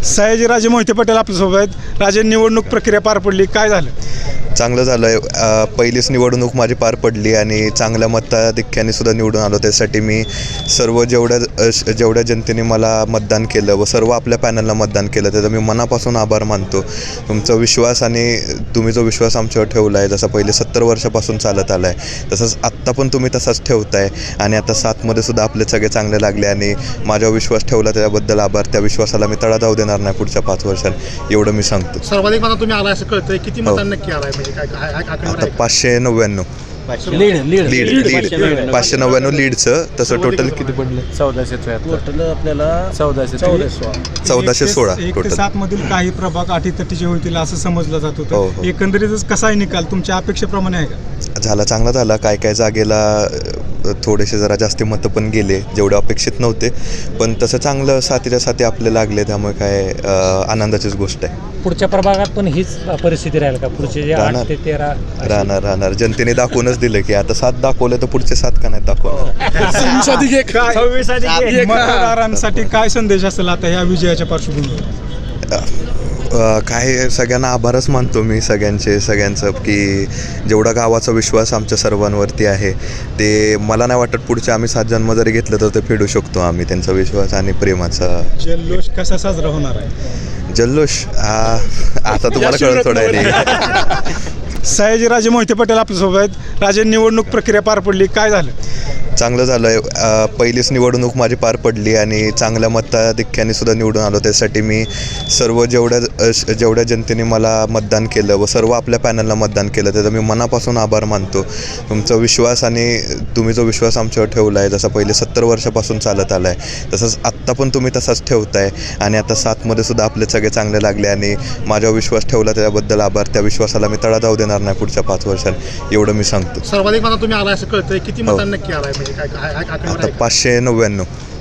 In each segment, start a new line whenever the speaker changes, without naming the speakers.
सयाजीराजे मोहिते पटेल आपल्यासोबत आहेत. राजे, निवडणूक प्रक्रिया पार पडली, काय झालं?
चांगलं झालं आहे. पहिलीच निवडणूक माझी पार पडली आणि चांगल्या मताधिक्याने सुद्धा निवडून आलो. त्यासाठी मी सर्व जेवढ्या जनतेने मला मतदान केलं व सर्व आपल्या पॅनलला मतदान केलं त्याचा मी मनापासून आभार मानतो. तुमचा विश्वास आणि तुम्ही जो विश्वास आमच्यावर ठेवला आहे, जसा पहिले 70 वर्षापासून चालत आला आहे तसंच आत्ता पण तुम्ही तसाच ठेवताय आणि आता 7मध्ये सुद्धा आपले सगळे चांगले लागले आणि माझ्यावर विश्वास ठेवला त्याबद्दल आभार. त्या विश्वासाला मी तडा जाऊ देणार नाही पुढच्या 5 वर्षांत, एवढं मी सांगतो.
सर्वाधिक मतात तुम्ही आला असं कळतंय, किती मतांना नक्की आलाय? म्हणजे
आता 599 लीड 599 लीडचं. तसं टोटल किती पडलं?
1476 टोटल आपल्याला 1416
1
टोटल.
ते 7 मधील काही प्रभाग अटीतटीचे होतील असं समजलं जात
हो,
होतं.
हो.
एकंदरीतच कसा आहे निकाल, तुमच्या अपेक्षेप्रमाणे आहे का?
झाला, चांगला झाला. काय जागेला थोडेसे जरा जास्ती मतं पण गेले, जेवढे अपेक्षित नव्हते, पण तसं चांगलं साथीच्या साथी आपले लागले, त्यामुळे काय आनंदाचीच गोष्ट आहे.
पुढच्या प्रभागात पण हीच परिस्थिती राहील का? पुढचे जे 8 ते 13
राहणार जनतेने दाखवूनच दिलं की आता 7 दाखवले तर पुढचे 7 का नाही दाखवणार.
मतदारांसाठी काय संदेश असेल आता ह्या विजयाच्या पार्श्वभूमीवर?
काय सगळ्यांना आभारच मानतो मी सगळ्यांचं की जेवढा गावाचा विश्वास आमच्या सर्वांवरती आहे ते मला नाही वाटत पुढचे आम्ही 7 जन्म जरी घेतलं तर ते फेडू शकतो आम्ही त्यांचा विश्वास आणि प्रेमाचा.
जल्लोष कसा साजरा होणार आहे?
जल्लोष आता तुम्हाला कळत थोडं आहे.
सयाजीराजे मोहिते पटेल आपल्यासोबत आहेत. राजे, निवडणूक प्रक्रिया पार पडली, काय झालं?
चांगलं झालं आहे. पहिलीच निवडणूक माझी पार पडली आणि चांगल्या मताधिक्याने सुद्धा निवडून आलो. त्यासाठी मी सर्व जेवढ्या जनतेने मला मतदान केलं व सर्व आपल्या पॅनलला मतदान केलं त्याचा मी मनापासून आभार मानतो. तुमचा विश्वास आणि तुम्ही जो विश्वास आमच्यावर ठेवला आहे, जसा पहिले 70 वर्षापासून चालत आला आहे तसंच आत्ता पण तुम्ही तसाच ठेवताय आणि आता 7मध्ये सुद्धा आपले सगळे चांगले लागले आणि माझ्यावर विश्वास ठेवला त्याबद्दल आभार. त्या विश्वासाला मी तडा जाऊ देणार नाही पुढच्या 5 वर्षांत, एवढं मी सांगतो.
सर्वाधिक मतात तुम्ही आला असं कळतंय, किती मतांना नक्की आलाय? म्हणजे
आता 599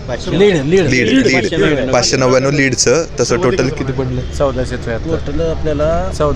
लीड 599 लीडचं. तसं टोटल किती पडलं?
1476 टोटल आपल्याला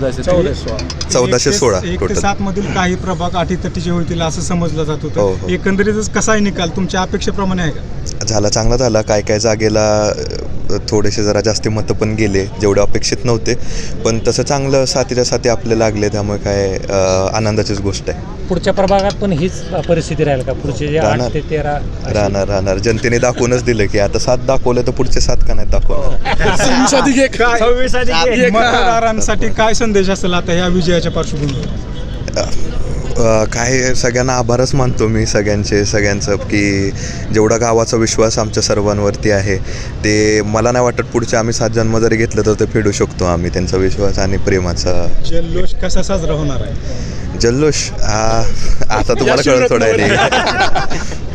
1416
1 ते
टोटल.
7 मधील काही प्रभाग अटीतटीचे होतील असं समजलं जात
हो,
होतं.
हो.
एकंदरीतच कसा आहे निकाल, तुमच्या अपेक्षेप्रमाणे आहे का?
झाला, चांगला झाला. काय जागेला थोडेसे जरा जास्ती मतं पण गेले, जेवढे अपेक्षित नव्हते, पण तसं चांगलं साथीच्या साथी आपले लागले, त्यामुळे काय आनंदाचीच गोष्ट आहे.
पुढच्या प्रभागात पण हीच परिस्थिती राहील का? पुढचे जे 8 ते 13
राहणार जनतेने दाखवूनच दिलं की आता 7 दाखवले तर पुढचे 7 का नाही दाखवणार.
मतदारांसाठी काय संदेश असेल आता ह्या विजयाच्या पार्श्वभूमीवर?
काय सगळ्यांना आभारच मानतो मी सगळ्यांचं की जेवढा गावाचा विश्वास आमच्या सर्वांवरती आहे ते मला नाही वाटत पुढचे आम्ही 7 जन्म जरी घेतलं तर ते फेडू शकतो आम्ही त्यांचा विश्वास आणि प्रेमाचा.
जल्लोष कसा साजरा होणार आहे?
जल्लोष आता तुम्हाला कळत थोडं आहे.